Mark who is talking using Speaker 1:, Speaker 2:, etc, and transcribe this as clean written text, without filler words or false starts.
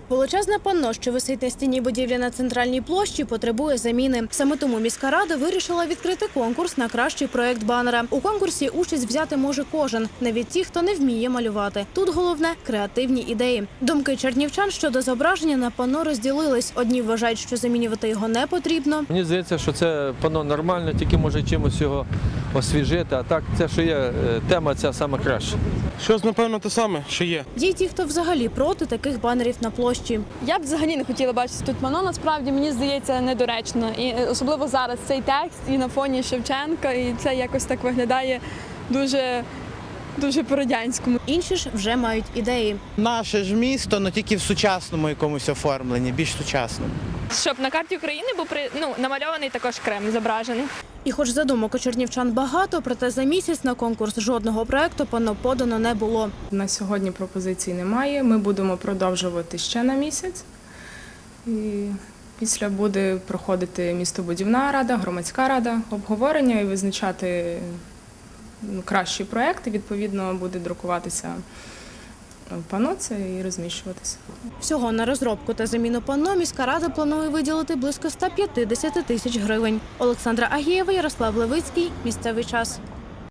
Speaker 1: Величезне панно, що висить на стіні будівлі на центральній площі, потребує заміни. Саме тому міська рада вирішила відкрити конкурс на кращий проєкт банера. У конкурсі участь взяти може кожен, навіть ті, хто не вміє малювати. Тут головне – креативні ідеї. Думки чернівчан щодо зображення на панно розділились. Одні вважають, що замінювати його не потрібно.
Speaker 2: Мені здається, що це панно нормально, тільки може чимось його освіжити. А так, це, що є, тема ця сама краща.
Speaker 3: Щось, напевно, те саме, що є.
Speaker 1: Є й ті, хто взагалі проти таких банерів на площі.
Speaker 4: Я б взагалі не хотіла бачити тут панно, насправді, мені здається, недоречно. І особливо зараз цей текст і на фоні Шевченка, і це якось так виглядає дуже по-радянському.
Speaker 1: Інші ж вже мають ідеї.
Speaker 5: Наше ж місто, але тільки в сучасному якомусь оформленні, більш сучасному.
Speaker 6: Щоб на карті України був намальований також Кремль зображений.
Speaker 1: І хоч задумок у чернівчан багато, проте за місяць на конкурс жодного проєкту панно подано не було.
Speaker 7: На сьогодні пропозицій немає. Ми будемо продовжувати ще на місяць. І після буде проходити містобудівна рада, громадська рада, обговорення і визначати кращі проєкти. Відповідно, буде друкуватися панно це і розміщуватися.
Speaker 1: Всього на розробку та заміну панно міська рада планує виділити близько 150 тисяч гривень. Олександра Агієва, Ярослав Левицький. Місцевий час.